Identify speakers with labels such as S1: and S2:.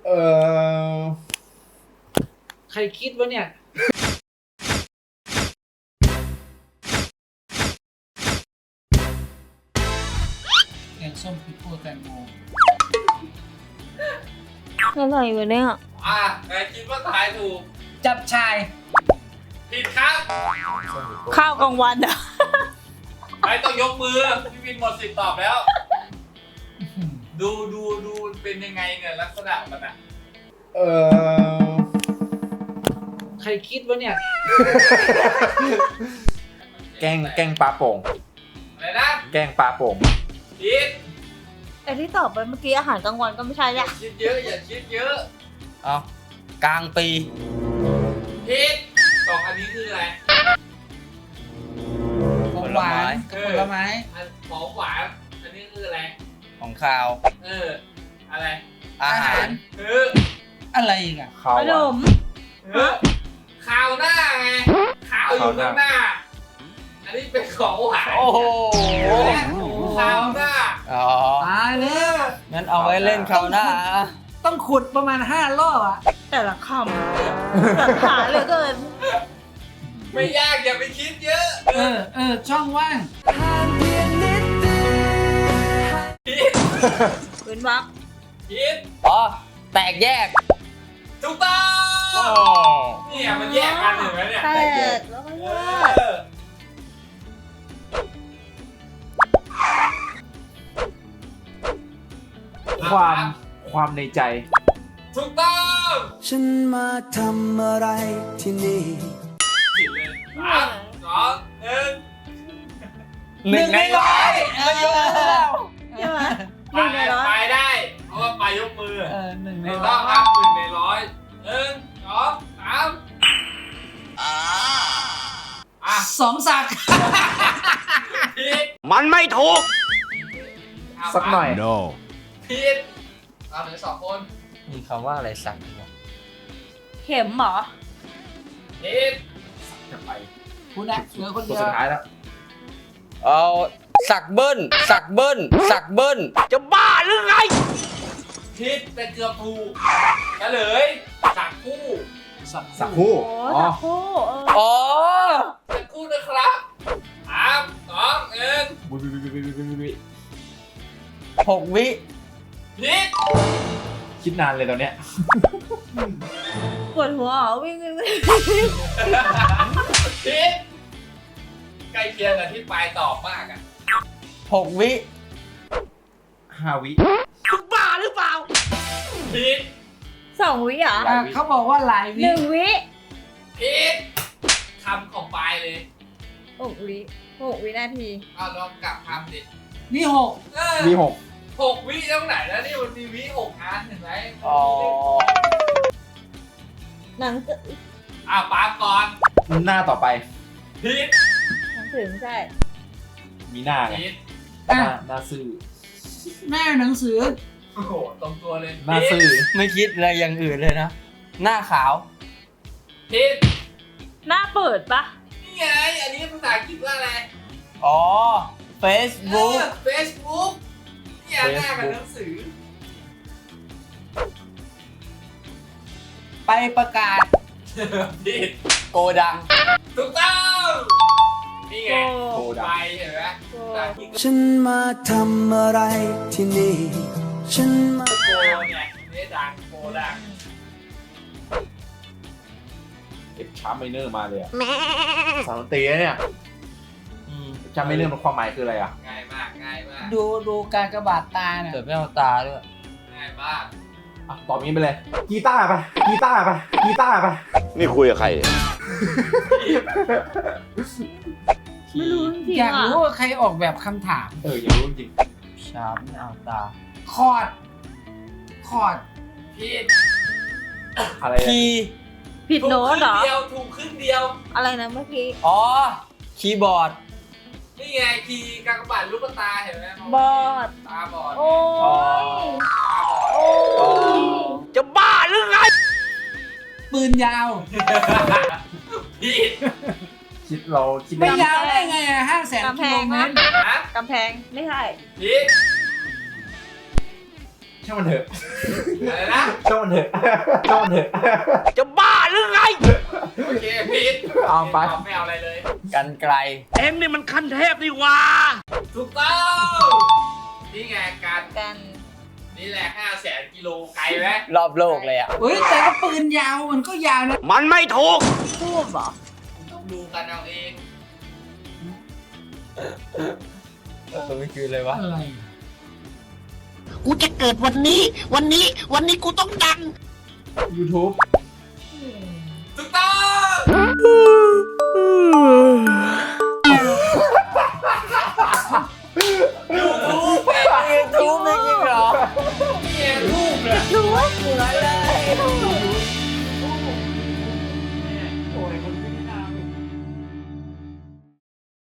S1: เออ
S2: ใครคิดวะเนี่ยแกงส้มพริกคั่วแตงโม
S3: อะไรวะเนี่ย
S4: ใครคิดว่าทายถูก
S2: จับชาย
S4: ผิดครับ
S3: ข้าวกลางวันอ่ะ
S4: ไม่ต้องยกมือพี่วินหมดสิทธิ์ตอบแล้ว ดูเป็นยังไงเนี่ยลักษณะมันอ่ะ
S1: เออ
S2: ใครคิดวะเนี่ย
S1: แกงปลาโป่ง
S4: อะไรนะ
S1: แกงปลาโป่ง
S4: ผิด
S3: แต่ที่ตอบไปเมื่อกี้อาหารกลางวันก็ไม่ใช่
S4: อ
S3: แห
S4: ย่า
S3: ละ
S4: คิดเยอะอย่าคิดเยอะ
S5: เอากลางปี
S4: ผิดสองอันนี้คืออะไร
S2: ของหวานกับผลไม้
S4: อันของหวานอันนี้คืออะไร
S5: ของข้าว
S4: อะไร
S5: อาหาร
S2: อะไรอีกอ่ะ
S1: ข้าว
S3: ข
S1: ห
S3: น
S1: วาน
S3: ม
S4: ข้าวหน้าไงข้าวอยู่ข้างหน้า อันนี้เป็นของหวาน
S5: โอ้โห
S4: ข้าวหน้า
S5: อ๋อ
S2: ตายแล้ว
S5: งั้นเอาไว้เล่นคราวหน้า
S2: ต้องขุดประมาณ5 รอบอ่ะ
S3: แต่ละคำหลักฐานเหลือเกิน
S4: ไม่ยากอย่าไปคิดเยอะ
S2: ช่องว่าง
S4: ผิด
S3: พื้นวัก
S4: ผิด
S5: อ๋อ แตกแยก
S4: ถูกต้องเนี่ยมันแยกกันเห็นไหมเนี่ย
S3: แตกแล้วก็แยก
S1: ความในใจ
S4: ถูกต้อง
S6: ฉันมาทำอะไรที่นี่
S4: ผิดเลย3 2 1
S5: 1 ในร้อยไม่ยอมแล้ว
S3: ใช่ไหม
S4: ไปได้ เพราะว่าไปยกมือ
S2: 1 ใน
S4: ถูก
S2: ร้
S4: ต้
S2: อ
S4: อง
S2: ย
S4: ครับ1 ใน 100 1 2 3อ่ะ
S2: 2 สัก
S4: ผิด
S5: มันไม่ถูก
S1: สักหน่อย
S4: ผิดเราเหลือ2 คน
S5: มีคำว่าอะไรสั่งวะ
S3: เข็มเหรอ
S4: ผิด
S1: จะไป
S2: คุณนะเหลือคน
S1: ตัว
S2: เดียว
S1: สุดท้ายแล้ว
S5: เอาสักเบิ้ลสักเบิ้ลสักเบิ้ลจะบ้าหรือไง
S4: ผิดแต่เกือบถูกเฉลยสักคู่
S1: สักคู่
S3: โอ้
S1: อ๋อ
S3: ตะคู่
S5: อ๋อ
S4: สักคู่นะครับ3 2 1
S1: บุย
S5: 6 วิ
S4: ผิด
S1: คิดนานเลยตอนเนี้ย
S3: ปวดหัวเหรอวิ่ง
S4: ผิดใกล้เคียงกับที่ปลายตอบมากอ่ะ
S5: 6 วิ
S1: 5 วิ
S5: บ้าหรือเปล่า
S4: ผิด
S3: 2 วิเหรอ
S2: เขาบอกว่าหลายวิ
S3: 1 วิ
S4: ผิดคำของปลายเลย
S3: 6 วิ6 วินาที
S4: เอาลองกลับคำดิ
S2: นี่
S1: มี
S4: 6 วิตรงไหนแล้วนี่มันมีวิ6 อันเห็นไหม
S5: อ๋อ
S3: หนังสือ
S4: ปาก่อน
S1: 6 หน้าต่อไป
S4: ผิด
S3: หนังสือไม่ใช่
S1: มีหน้าไง
S4: ผิด
S1: หน้าซื่อ
S2: หน้าหนังสือ
S4: โอ้โหตรงตัวเลย
S1: หน้าซื่อ
S5: ไม่คิดอะไรอย่างอื่นเลยนะ หน้าขาว
S4: ผิด
S3: หน้าเปิดปะ
S4: นี่ไงอันนี้ภาษาอังกฤษว่าอะไร
S5: อ๋อ Facebook
S4: Facebook เนี่ยหน้ากับหนังสือ
S2: ไปประกาศ
S4: ผิด
S5: โกดัง
S4: ถูกต้องนี่ไง
S1: โกดัง
S4: ไปเห็นไหมภาษาอังกฤษ
S6: ฉันมาทำอะไรที่นี่ ฉันมา
S4: โกเนี่ยนี่ดังโกดัง
S1: เอ็กชาร์มไมเนอร์มาเลยอะสาวดนตรีนะเนี่ย
S5: อืม
S1: ชาร์มไมเนอร์มันความหมายคืออะไรอ่ะ
S4: ง่ายมากง่ายมาก
S2: ดูการกระบาดตาเนี่ย
S5: เกิดไม่เอาตาด้วย
S4: ง่ายมาก
S1: ตอบงี้ไปเลย กีตาร์ไป กีตาร์ไป กีตาร์ไป
S7: นี่คุยกับใครเนี่ย
S3: ไม่รู้จริง
S2: อยาก
S3: ๆอ่ะ
S2: รู้ว่าใครออกแบบคำถาม
S1: อยากรู้จริง
S5: ชาไม่เอาตา
S2: คอร์ด
S4: ผิด
S1: อะไร
S5: คีย์
S3: ผิดโน้ตเหรอ
S4: ถูกครึ่งเดียว
S3: อะไรนะเมื่อกี้
S5: อ๋อ คีย์บอร์ด
S4: นี่ไงคีย์กากบาทลูกตาเห็นไหม
S3: บอด
S4: ตาบอด
S3: โอ้ย
S4: ตาบอด
S3: โอ้ย
S5: จะบ้าหรือไง
S2: ปืนยาว
S4: ผิด
S1: คิดเราคิด
S2: ไม่
S1: ได้
S2: ยาวได้ไงอะ500,000 กิโลเมตร
S4: นะ
S3: กำแพงไม่ใช่
S4: ผิด
S2: ช
S1: ช่างมันเถอะ
S4: อะไรนะ
S1: ช่างมันเถอะช่างมันเถอะ
S5: จะบ้าหรือไง
S4: โอเคพีท
S1: เอาไป
S4: ไม่เอาอะไรเลย
S5: กันไกล เอ็งนี่มันขั้นเทพนี่หว่า
S4: ถูกต้องนี่ไงการ
S3: กัน
S4: นี่แหละ500,000 กิโลไกลไหม
S5: รอบโลกเลยอ่ะ
S2: เฮ้ยแต่ก็ปืนยาวมันก็ยาวนะ
S5: มันไม่ถูก
S3: ทูบเหรอ
S4: ต้องดูกันเอาเอง
S5: ไม่คือเลยวะ
S2: อะไร
S7: กูจะเกิดวันนี้ วันนี้กูต้องดัง
S1: YouTube